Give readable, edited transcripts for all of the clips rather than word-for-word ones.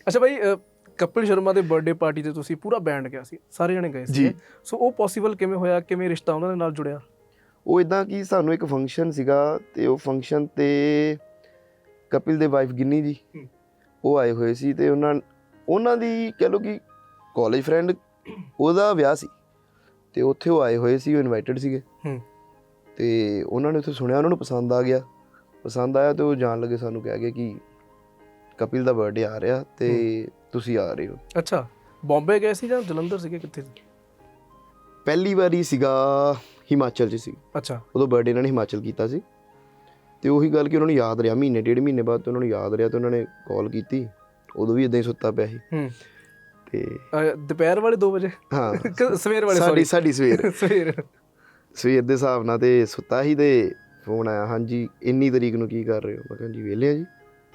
ਅੱਛਾ ਬਾਈ, ਕਪਿਲ ਸ਼ਰਮਾ ਦੇ birthday party ਤੇ ਤੁਸੀਂ ਪੂਰਾ ਬੈਂਡ ਗਿਆ ਸੀ, ਸਾਰੇ ਜਣੇ ਗਏ ਸੀ। ਜੀ। ਸੋ ਉਹ ਪੋਸੀਬਲ ਕਿਵੇਂ ਹੋਇਆ, ਕਿਵੇਂ ਰਿਸ਼ਤਾ ਉਹਨਾਂ ਦੇ ਨਾਲ ਜੁੜਿਆ? ਉਹ ਇੱਦਾਂ ਕਿ ਸਾਨੂੰ ਇੱਕ ਫੰਕਸ਼ਨ ਸੀਗਾ ਤੇ ਉਹ ਫੰਕਸ਼ਨ ਤੇ ਕਪਿਲ ਦੇ ਵਾਈਫ ਗਿੰਨੀ ਜੀ ਉਹ ਆਏ ਹੋਏ ਸੀ ਤੇ ਉਹਨਾਂ ਦੀ ਕਹਿ ਲਓ ਕਿ ਕਾਲਜ ਫਰੈਂਡ ਉਹਦਾ ਵਿਆਹ ਸੀ ਤੇ ਉੱਥੇ ਉਹ ਆਏ ਹੋਏ ਸੀ, ਉਹ ਇਨਵਾਈਟਡ ਸੀਗੇ ਤੇ ਉਹਨਾਂ ਨੇ ਉੱਥੇ ਸੁਣਿਆ, ਉਹਨਾਂ ਨੂੰ ਪਸੰਦ ਆਇਆ ਤੇ ਉਹ ਜਾਣ ਲੱਗੇ ਸਾਨੂੰ ਕਹਿ ਗਏ ਕਿ ਕਪਿਲ ਦਾ ਬਰਥਡੇ ਆ ਰਿਹਾ ਤੇ ਤੁਸੀਂ ਆ ਰਹੇ ਹੋ। ਅੱਛਾ, ਬੰਬੇ ਗਏ ਸੀ ਜਾਂ ਜਲੰਧਰ ਸੀਗੇ, ਕਿੱਥੇ ਸੀ? ਪਹਿਲੀ ਵਾਰੀ ਸੀਗਾ ਹਿਮਾਚਲ 'ਚ ਸੀ। ਅੱਛਾ, ਉਦੋਂ ਬਰਥਡੇ ਇਹਨਾਂ ਨੇ ਹਿਮਾਚਲ ਕੀਤਾ ਸੀ ਤੇ ਉਹੀ ਗੱਲ ਕਿ ਉਹਨਾਂ ਨੂੰ ਯਾਦ ਰਿਹਾ, ਮਹੀਨੇ ਡੇਢ ਮਹੀਨੇ ਬਾਅਦ ਉਹਨਾਂ ਨੂੰ ਯਾਦ ਰਿਹਾ ਤੇ ਉਹਨਾਂ ਨੇ ਕਾਲ ਕੀਤੀ। ਉਦੋਂ ਵੀ ਇਦਾਂ ਹੀ ਸੁੱਤਾ ਪਿਆ ਸੀ ਤੇ ਦੁਪਹਿਰ ਵਾਲੇ 2 ਵਜੇ? ਹਾਂ, ਸਵੇਰ ਵਾਲੇ, ਸਾਡੀ ਸਵੇਰ ਸਵੇਰ ਦੇ ਹਿਸਾਬ ਨਾਲ ਤੇ ਸੁੱਤਾ ਸੀ ਤੇ ਫੋਨ ਆਇਆ, ਹਾਂਜੀ ਇੰਨੀ ਤਰੀਕ ਨੂੰ ਕੀ ਕਰ ਰਹੇ ਹੋ? ਮੈਂ ਕਿਹਾ ਜੀ ਵਿਹਲੇ ਆ ਜੀ।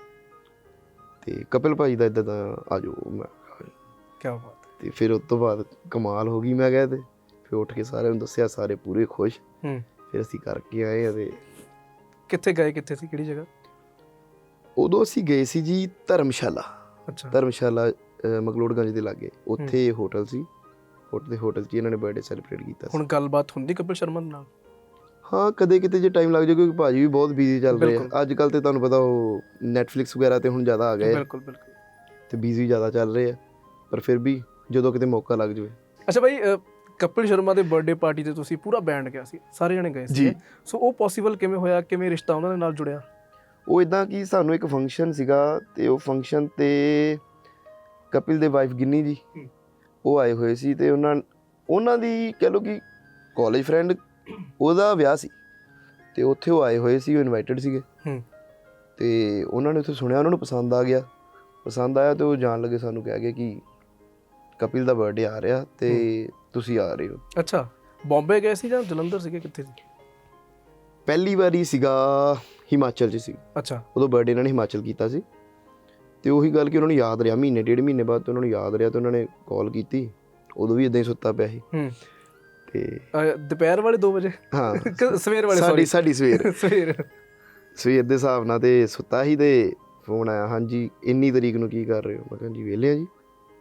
ਤੇ ਕਪਿਲ ਭਾਈ ਦਾ ਇੱਦਾਂ ਦਾ ਆ ਜਾਓ। ਮੈਂ ਕਿਆ ਬਾਤ। ਤੇ ਫਿਰ ਉਸ ਤੋਂ ਬਾਅਦ ਕਮਾਲ ਹੋ ਗਈ, ਮੈਂ ਕਿਹਾ ਤੇ ਫਿਰ ਉੱਠ ਕੇ ਸਾਰਿਆਂ ਨੂੰ ਦੱਸਿਆ, ਸਾਰੇ ਪੂਰੇ ਖੁਸ਼। ਫਿਰ ਅਸੀਂ ਕਰਕੇ ਆਏ ਆ। ਤੇ ਕਿੱਥੇ ਗਏ, ਕਿੱਥੇ ਸੀ, ਕਿਹੜੀ ਜਗ੍ਹਾ? ਉਦੋਂ ਅਸੀਂ ਗਏ ਸੀ ਜੀ ਧਰਮਸ਼ਾਲਾ। ਅੱਛਾ, ਧਰਮਸ਼ਾਲਾ ਮਕਲੋਡਗੰਜ ਦੇ ਲਾਗੇ, ਉੱਥੇ ਹੋਟਲ ਸੀ। ਹੋਟਲ 'ਚ ਇਹਨਾਂ ਨੇ ਬਰਥਡੇ ਸੈਲੀਬ੍ਰੇਟ ਕੀਤਾ ਸੀ। ਹੁਣ ਗੱਲਬਾਤ ਹੁੰਦੀ ਕਪਿਲ ਸ਼ਰਮਾ ਦੇ ਨਾਲ? ਹਾਂ, ਕਦੇ ਕਿਤੇ ਜੇ ਟਾਈਮ ਲੱਗ ਜਾਏ, ਕਿਉਂਕਿ ਭਾਜੀ ਵੀ ਬਹੁਤ ਬਿਜ਼ੀ ਚੱਲ ਰਹੇ ਆ ਅੱਜ ਕੱਲ੍ਹ। ਤੇ ਤੁਹਾਨੂੰ ਪਤਾ ਉਹ ਨੈਟਫਲਿਕਸ ਵਗੈਰਾ ਤੇ ਹੁਣ ਜ਼ਿਆਦਾ ਆ ਗਏ। ਬਿਲਕੁਲ ਬਿਲਕੁਲ। ਤੇ ਬਿਜ਼ੀ ਜ਼ਿਆਦਾ ਚੱਲ ਰਹੇ ਆ, ਪਰ ਫਿਰ ਵੀ ਜਦੋਂ ਕਿਤੇ ਮੌਕਾ ਲੱਗ ਜਾਵੇ। ਅੱਛਾ ਬਾਈ, ਕਪਿਲ ਸ਼ਰਮਾ ਦੇ ਬਰਥਡੇ ਪਾਰਟੀ ਤੇ ਤੁਸੀਂ ਪੂਰਾ ਬੈਂਡ ਗਿਆ ਸੀ, ਸਾਰੇ ਜਣੇ ਗਏ ਸੀ। ਸੋ ਉਹ ਪੋਸੀਬਲ ਕਿਵੇਂ ਹੋਇਆ, ਕਿਵੇਂ ਰਿਸ਼ਤਾ ਉਹਨਾਂ ਦੇ ਨਾਲ ਜੁੜਿਆ? ਉਹ ਇੱਦਾਂ ਕਿ ਸਾਨੂੰ ਇੱਕ ਫੰਕਸ਼ਨ ਸੀਗਾ ਤੇ ਉਹ ਫੰਕਸ਼ਨ ਤੇ ਕਪਿਲ ਦੇ ਵਾਈਫ ਗਿੰਨੀ ਜੀ ਉਹ ਆਏ ਹੋਏ ਸੀ ਤੇ ਉਹਨਾਂ ਦੀ ਕਹਿ ਲਓ ਕਿ ਕਾਲਜ ਫਰੈਂਡ ਉਹਦਾ ਵਿਆਹ ਸੀ ਤੇ ਉੱਥੇ ਉਹ ਆਏ ਹੋਏ ਸੀ, ਉਹ ਇਨਵਾਈਟਡ ਸੀਗੇ ਤੇ ਉਹਨਾਂ ਨੇ ਉੱਥੇ ਸੁਣਿਆ, ਉਹਨਾਂ ਨੂੰ ਪਸੰਦ ਆਇਆ ਤੇ ਉਹ ਜਾਣ ਲੱਗੇ ਸਾਨੂੰ ਕਹਿ ਗਏ ਕਿ ਕਪਿਲ ਦਾ ਬਰਥਡੇ ਆ ਰਿਹਾ ਤੇ ਤੁਸੀਂ ਆ ਰਹੇ ਹੋ। ਅੱਛਾ, ਬੰਬੇ ਗਏ ਸੀ ਜਾਂ ਜਲੰਧਰ ਸੀਗੇ, ਕਿੱਥੇ ਸੀ? ਪਹਿਲੀ ਵਾਰੀ ਸੀਗਾ ਹਿਮਾਚਲ 'ਚ ਸੀ। ਅੱਛਾ, ਉਦੋਂ ਬਰਥਡੇ ਇਹਨਾਂ ਨੇ ਹਿਮਾਚਲ ਕੀਤਾ ਸੀ ਤੇ ਉਹੀ ਗੱਲ ਕਿ ਉਹਨਾਂ ਨੂੰ ਯਾਦ ਰਿਹਾ, ਮਹੀਨੇ ਡੇਢ ਮਹੀਨੇ ਬਾਅਦ ਉਹਨਾਂ ਨੂੰ ਯਾਦ ਰਿਹਾ ਤੇ ਉਹਨਾਂ ਨੇ ਕਾਲ ਕੀਤੀ। ਉਦੋਂ ਵੀ ਇਦਾਂ ਹੀ ਸੁੱਤਾ ਪਿਆ ਸੀ ਤੇ ਦੁਪਹਿਰ ਵਾਲੇ 2 ਵਜੇ? ਹਾਂ, ਸਵੇਰ ਵਾਲੇ, ਸਾਡੀ ਸਵੇਰ ਸਵੇਰ ਦੇ ਹਿਸਾਬ ਨਾਲ ਤੇ ਸੁੱਤਾ ਸੀ ਤੇ ਫੋਨ ਆਇਆ, ਹਾਂਜੀ ਇੰਨੀ ਤਰੀਕ ਨੂੰ ਕੀ ਕਰ ਰਹੇ ਹੋ? ਮੈਂ ਕਿਹਾ ਜੀ ਵਿਹਲੇ ਆ ਜੀ।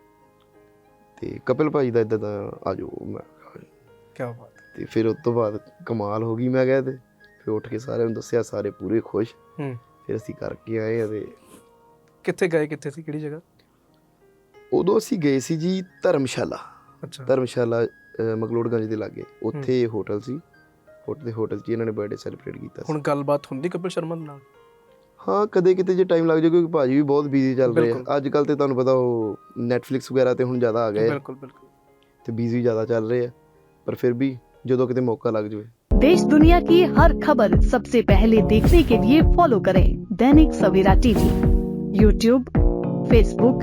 ਤੇ ਕਪਿਲ ਭਾਈ ਦਾ ਇੱਦਾਂ ਦਾ ਆ ਜਾਓ। ਮੈਂ ਕਿਆ ਬਾਤ। ਤੇ ਫਿਰ ਉਸ ਤੋਂ ਬਾਅਦ ਕਮਾਲ ਹੋ ਗਈ, ਮੈਂ ਕਿਹਾ ਤੇ ਫਿਰ ਉੱਠ ਕੇ ਸਾਰਿਆਂ ਨੂੰ ਦੱਸਿਆ, ਸਾਰੇ ਪੂਰੇ ਖੁਸ਼। ਫਿਰ ਅਸੀਂ ਕਰਕੇ ਆਏ ਆ। ਤੇ ਕਿੱਥੇ ਗਏ, ਕਿੱਥੇ ਸੀ, ਕਿਹੜੀ ਜਗ੍ਹਾ? ਉਦੋਂ ਅਸੀਂ ਗਏ ਸੀ ਜੀ ਧਰਮਸ਼ਾਲਾ। ਅੱਛਾ, ਧਰਮਸ਼ਾਲਾ ਮਕਲੋਡਗੰਜ ਦੇ ਲਾਗੇ, ਉੱਥੇ ਹੋਟਲ ਸੀ। ਹੋਟਲ 'ਚ ਇਹਨਾਂ ਨੇ ਬਰਥਡੇ ਸੈਲੀਬ੍ਰੇਟ ਕੀਤਾ ਸੀ। ਹੁਣ ਗੱਲਬਾਤ ਹੁੰਦੀ ਕਪਿਲ ਸ਼ਰਮਾ ਦੇ ਨਾਲ? ਹਾਂ, ਕਦੇ ਕਿਤੇ ਜੇ ਟਾਈਮ ਲੱਗ ਜਾਏ, ਕਿਉਂਕਿ ਭਾਜੀ ਵੀ ਬਹੁਤ ਬਿਜ਼ੀ ਚੱਲ ਰਹੇ ਆ ਅੱਜ ਕੱਲ੍ਹ। ਤੇ ਤੁਹਾਨੂੰ ਪਤਾ ਉਹ ਨੈਟਫਲਿਕਸ ਵਗੈਰਾ ਤੇ ਹੁਣ ਜ਼ਿਆਦਾ ਆ ਗਏ। ਬਿਲਕੁਲ ਬਿਲकुल। ਤੇ ਬਿਜ਼ੀ ਜ਼ਿਆਦਾ ਚੱਲ ਰਹੇ ਆ, ਪਰ ਫਿਰ ਵੀ ਜਦੋਂ ਕਿਤੇ ਮੌਕਾ ਲੱਗ ਜਾਵੇ। देश दुनिया की हर खबर सबसे पहले देखने के लिए फॉलो करें Dainik Savera TV, YouTube, Facebook,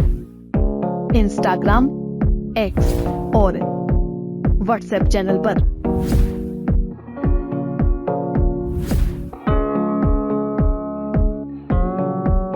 Instagram, X और व्हाट्सएप चैनल पर।